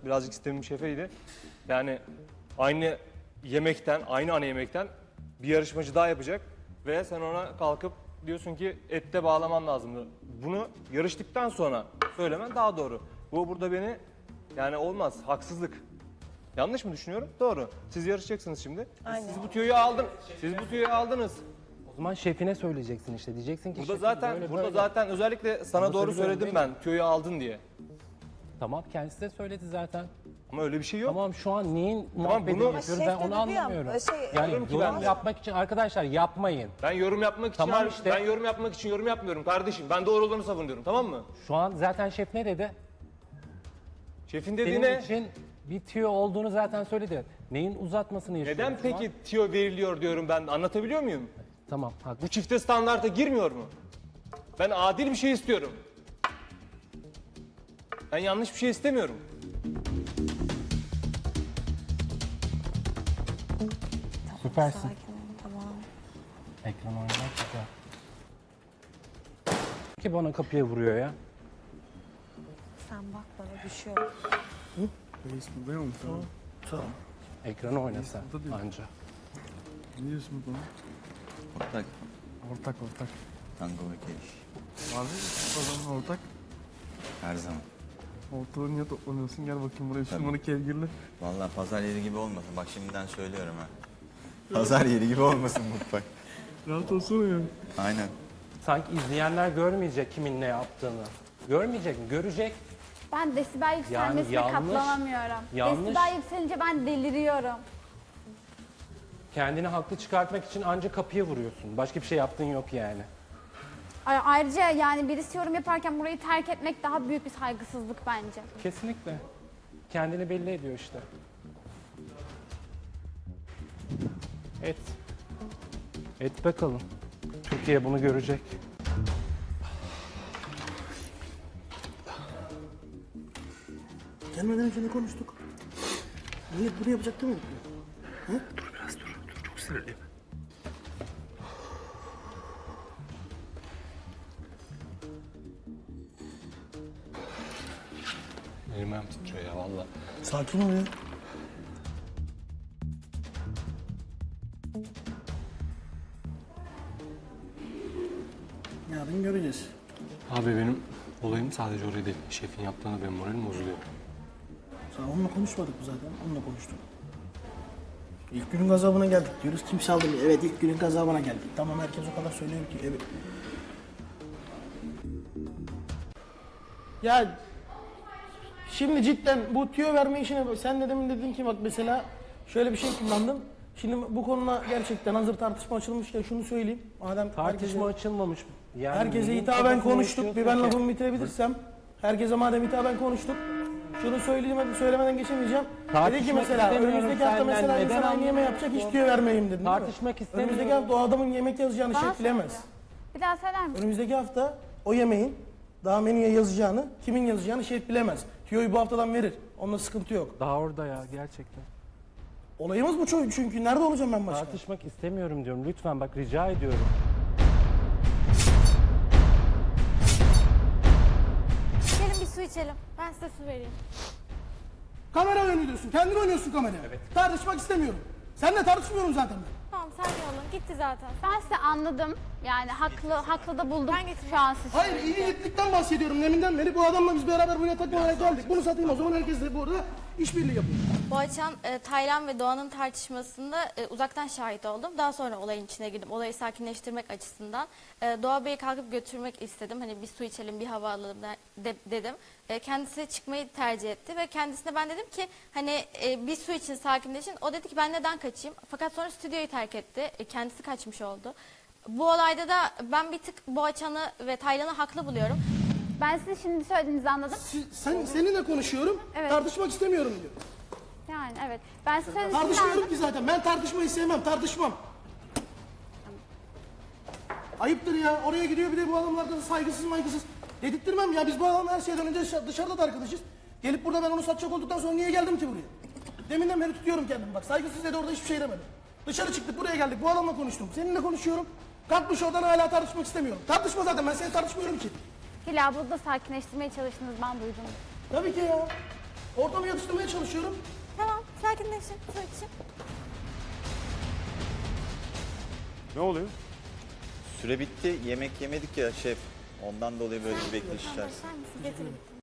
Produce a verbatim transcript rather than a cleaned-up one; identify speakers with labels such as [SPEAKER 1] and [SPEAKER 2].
[SPEAKER 1] birazcık sistemim şefeydi. Yani aynı yemekten, aynı ana yemekten bir yarışmacı daha yapacak ve sen ona kalkıp diyorsun ki ette bağlaman lazımdı. Bunu yarıştıktan sonra söylemen daha doğru. Bu burada beni yani olmaz, haksızlık. Yanlış mı düşünüyorum? Doğru. Siz yarışacaksınız şimdi.
[SPEAKER 2] Aynen.
[SPEAKER 1] Siz bu tüyoyu aldın. Siz bu tüyoyu aldınız.
[SPEAKER 3] O zaman şefine söyleyeceksin işte. Diyeceksin ki
[SPEAKER 1] Burada
[SPEAKER 3] şefim
[SPEAKER 1] zaten
[SPEAKER 3] böyle
[SPEAKER 1] burada
[SPEAKER 3] böyle.
[SPEAKER 1] zaten özellikle sana
[SPEAKER 3] Ama
[SPEAKER 1] doğru
[SPEAKER 3] söylüyorum,
[SPEAKER 1] söyledim
[SPEAKER 3] değil
[SPEAKER 1] ben tüyoyu aldın diye.
[SPEAKER 3] Tamam, kendisi de söyledi zaten.
[SPEAKER 1] Ama öyle bir şey yok.
[SPEAKER 3] Tamam, şu an neyin
[SPEAKER 1] Tamam,
[SPEAKER 3] muhabbetini
[SPEAKER 1] bunu-
[SPEAKER 3] yapıyoruz
[SPEAKER 2] Ama
[SPEAKER 3] ben
[SPEAKER 2] şef de
[SPEAKER 3] onu
[SPEAKER 2] dedi ya,
[SPEAKER 3] anlamıyorum.
[SPEAKER 2] şey,
[SPEAKER 3] yani
[SPEAKER 1] diyorum ki
[SPEAKER 3] yorum
[SPEAKER 1] ben-
[SPEAKER 3] yapmak için arkadaşlar yapmayın.
[SPEAKER 1] Ben yorum yapmak için
[SPEAKER 3] Tamam
[SPEAKER 1] har-
[SPEAKER 3] işte.
[SPEAKER 1] ben yorum yapmak için yorum yapmıyorum kardeşim. Ben doğru olanı savunuyorum, tamam mı?
[SPEAKER 3] Şu an zaten şef ne dedi?
[SPEAKER 1] Şefin
[SPEAKER 3] Senin
[SPEAKER 1] dediğine
[SPEAKER 3] için bir tüyo olduğunu zaten söyledi. Neyin uzatmasını yaşıyoruz
[SPEAKER 1] neden
[SPEAKER 3] şu an?
[SPEAKER 1] peki tüyo veriliyor diyorum ben, anlatabiliyor muyum?
[SPEAKER 3] Tamam, haklı.
[SPEAKER 1] Bu çifte standarta girmiyor mu? Ben adil bir şey istiyorum. Ben yanlış bir şey istemiyorum.
[SPEAKER 3] Süpersin.
[SPEAKER 2] Sakin ol, tamam.
[SPEAKER 3] Ekran oynamak güzel. Ki bana kapıya vuruyor ya.
[SPEAKER 2] Sen bak bana düşüyor.
[SPEAKER 4] Reis buradayım mı? Tamam.
[SPEAKER 2] Tamam.
[SPEAKER 3] Ekranı oynasa
[SPEAKER 4] Burada değil.
[SPEAKER 3] anca.
[SPEAKER 4] Ne diyorsun bana?
[SPEAKER 5] Ortak.
[SPEAKER 4] Ortak ortak.
[SPEAKER 5] Tango ve keriş.
[SPEAKER 4] Abi o zaman ortak.
[SPEAKER 5] Her zaman.
[SPEAKER 4] Ortalığı niye toplanıyorsun? Gel bakayım buraya şu numara kevgirli.
[SPEAKER 5] Vallahi pazar yeri gibi olmasın. Bak şimdiden söylüyorum ha. Pazar yeri gibi olmasın mutfak.
[SPEAKER 4] Rahat olsana ya.
[SPEAKER 5] Aynen.
[SPEAKER 3] Sanki izleyenler görmeyecek kimin ne yaptığını. Görmeyecek mi? Görecek.
[SPEAKER 6] Ben desibel yükselmesine
[SPEAKER 3] yanlış-
[SPEAKER 6] katlanamıyorum.
[SPEAKER 3] yanlış-
[SPEAKER 6] Desibel yükselince ben deliriyorum.
[SPEAKER 3] Kendini haklı çıkartmak için anca kapıya vuruyorsun. Başka bir şey yaptığın yok yani.
[SPEAKER 6] Ay- Ayrıca yani birisi yorum yaparken burayı terk etmek daha büyük bir saygısızlık bence.
[SPEAKER 3] Kesinlikle. Kendini belli ediyor işte. Et. Et bakalım. Türkiye bunu görecek.
[SPEAKER 7] Gelmeden önce ne konuştuk? Niye bunu yapacak değil mi?
[SPEAKER 1] Elim ayağım titriyor ya valla.
[SPEAKER 7] Sakin ol ya. Yarın göreceğiz.
[SPEAKER 8] Abi benim olayım sadece oraya değil. Şefin yaptığına benim moralim bozuluyor.
[SPEAKER 7] Sen onunla konuşmadık mı zaten? Onunla konuştuk. İlk günün gazabına geldik diyoruz. Kimse aldırmıyor. Evet ilk günün gazabına geldik. Tamam herkes o kadar söylüyor ki. Evet. Ya şimdi cidden bu tüyo verme işine sen de demin dedin ki bak mesela şöyle bir şey kullandım. Şimdi bu konuda gerçekten hazır tartışma açılmışken şunu söyleyeyim. Madem
[SPEAKER 3] Tartışma
[SPEAKER 7] herkese,
[SPEAKER 3] açılmamış. Yani
[SPEAKER 7] herkese
[SPEAKER 3] neyin
[SPEAKER 7] hitaben
[SPEAKER 3] kafasını
[SPEAKER 7] konuştuk. Bir ben
[SPEAKER 3] yaşıyorsun ki?
[SPEAKER 7] lafımı bitirebilirsem. Herkese madem hitaben konuştuk. Şunu söyleyemedi, söylemeden geçemeyeceğim. Dedi ki
[SPEAKER 3] Tartışmak
[SPEAKER 7] mesela
[SPEAKER 3] istemiyorum
[SPEAKER 7] önümüzdeki hafta
[SPEAKER 3] senden.
[SPEAKER 7] mesela
[SPEAKER 3] Neden
[SPEAKER 7] insan aynı yemeği yapacak hiç tüyo vermeyeyim dedin değil mi?
[SPEAKER 3] Tartışmak istemiyorum.
[SPEAKER 7] Önümüzdeki hafta o adamın yemek yazacağını
[SPEAKER 6] Bana
[SPEAKER 7] şef bilemez.
[SPEAKER 6] söyle. Bir daha söyler misin?
[SPEAKER 7] Önümüzdeki hafta o yemeğin daha menüye yazacağını, kimin yazacağını şef bilemez. Tüyoyu bu haftadan verir. Onunla sıkıntı yok.
[SPEAKER 3] Daha orada ya gerçekten.
[SPEAKER 7] Olayımız bu çünkü. çünkü. Nerede olacağım ben başka?
[SPEAKER 3] Tartışmak istemiyorum diyorum. Lütfen bak rica ediyorum.
[SPEAKER 6] Gelin bir su içelim. Ben size su vereyim.
[SPEAKER 7] Kamera oynuyorsun. Kendin oynuyorsun kameraya. Tartışmak istemiyorum. Seninle tartışmıyorum zaten ben.
[SPEAKER 6] Tamam sakin olun. Gitti zaten. Ben size anladım. Yani haklı haklı da buldum şu an sizi.
[SPEAKER 7] Hayır iyi niyetlikten bahsediyorum. Deminden beri bu adamla biz beraber buraya takım olarak geldik. Bunu satayım o zaman herkes de burada işbirliği yapıyor.
[SPEAKER 9] Boğaçan, e, Taylan ve Doğan'ın tartışmasında e, uzaktan şahit oldum. Daha sonra olayın içine girdim. Olayı sakinleştirmek açısından. E, Doğa Bey'i kalkıp götürmek istedim. Hani bir su içelim, bir hava alalım de- de- dedim. E, kendisi çıkmayı tercih etti ve kendisine ben dedim ki hani e, bir su için sakinleşin. O dedi ki ben neden kaçayım? Fakat sonra stüdyoyu terk etti. E, kendisi kaçmış oldu. Bu olayda da ben bir tık Boğaçan'ı ve Taylan'ı haklı buluyorum.
[SPEAKER 6] Ben sizin şimdi söylediğinizi anladım.
[SPEAKER 7] Siz- Sen, seninle konuşuyorum.
[SPEAKER 6] Evet.
[SPEAKER 7] Tartışmak istemiyorum diyor.
[SPEAKER 6] Yani evet. Ben size söylediğinizi
[SPEAKER 7] Tartışmıyorum
[SPEAKER 6] anladım.
[SPEAKER 7] ki zaten. Ben tartışmayı sevmem. Tartışmam. Ayıptır ya. Oraya gidiyor bir de bu adamlardan saygısız maygısız. Dedirttirmem ya. Biz bu adamla her şeyden önce dışarı- dışarıda da arkadaşız. Gelip burada ben onu satacak olduktan sonra niye geldim ki buraya? Deminden beri tutuyorum kendimi bak. Saygısız dedi orada hiçbir şey demedim. Dışarı çıktık buraya geldik. Bu adamla konuştum. Seninle konuşuyorum. Kalkmış oradan hala tartışmak istemiyorum. Tartışma zaten. Ben seni tartışmıyorum ki.
[SPEAKER 6] Hilal burada sakinleştirmeye çalıştınız ben duydum.
[SPEAKER 7] Tabii ki ya. Ortamı yatıştırmaya çalışıyorum.
[SPEAKER 6] Tamam, sakinleşin. Su için.
[SPEAKER 1] Ne oluyor?
[SPEAKER 5] Süre bitti. Yemek yemedik ya şef. Ondan dolayı böyle bir bekleyiş içerisinde.
[SPEAKER 6] Başlar mısın? Getirin.